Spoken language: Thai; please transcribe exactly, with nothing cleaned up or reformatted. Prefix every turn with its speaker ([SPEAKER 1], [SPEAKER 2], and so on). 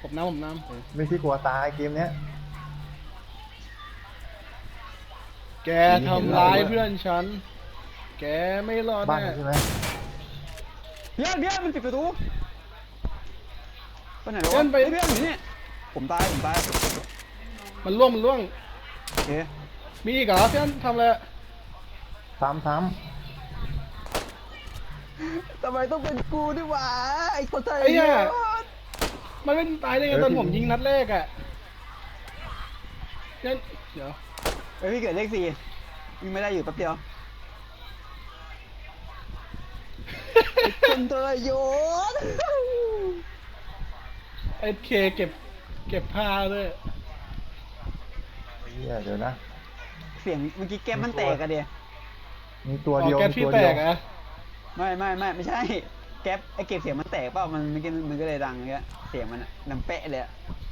[SPEAKER 1] ผมน้ำผมน้
[SPEAKER 2] ไม่ที่กลัวตายเกมเนี้ย
[SPEAKER 1] ำแกทำร้ายเพื่อนฉันแกไม่รอด
[SPEAKER 2] บ้าน
[SPEAKER 1] แน่
[SPEAKER 2] ใช่ไหม
[SPEAKER 3] เพื่อนเพื่อนมันปิดประตูไปไหนแล้ว
[SPEAKER 1] เพื่อ
[SPEAKER 3] วะ
[SPEAKER 1] นไป
[SPEAKER 3] เฮ้ยเพื่อนอยู่นี่ผมตายผมตาย
[SPEAKER 1] มันล่วงมันล่วง
[SPEAKER 3] โอเค
[SPEAKER 1] มีอีกเหรอเพื่อนทำอะไร
[SPEAKER 2] ซ้ำซ้
[SPEAKER 3] ทำไมต้องเป็นกูด้วยวะไอ้คนไทย
[SPEAKER 1] ไอ้เนี่ย
[SPEAKER 3] เนี่ย
[SPEAKER 1] มันไม่ตายได้ไงตอนผมยิงนัดแรกอะเนี่ยเดี๋ยว
[SPEAKER 3] เฮ้ยพี่เกิดเลขสี่ยิงไม่ได้อยู่แป๊บเดียวไอ้คนทรยศ
[SPEAKER 1] ไอ้เคเก็บเก็บผ้าด้วย
[SPEAKER 2] ำเฮียเดี๋ยวนะ
[SPEAKER 3] เสียงเมื่อกี้แก้มมันแตกอะเดีย
[SPEAKER 2] มีตัว
[SPEAKER 1] อ๋อ
[SPEAKER 2] เดียว
[SPEAKER 1] แก๊ส
[SPEAKER 2] มี
[SPEAKER 1] พี่
[SPEAKER 2] ตัว
[SPEAKER 1] แต
[SPEAKER 2] เดียว
[SPEAKER 1] กอะ
[SPEAKER 3] ไม่ไม่ไม่ไม่ใช่แก๊ปไอ้เก็บเสียงมันแตกเปล่ามันมันก็มันก็เลยดังเงี้ยเสียงมันอะดังเป๊ะเลยอะ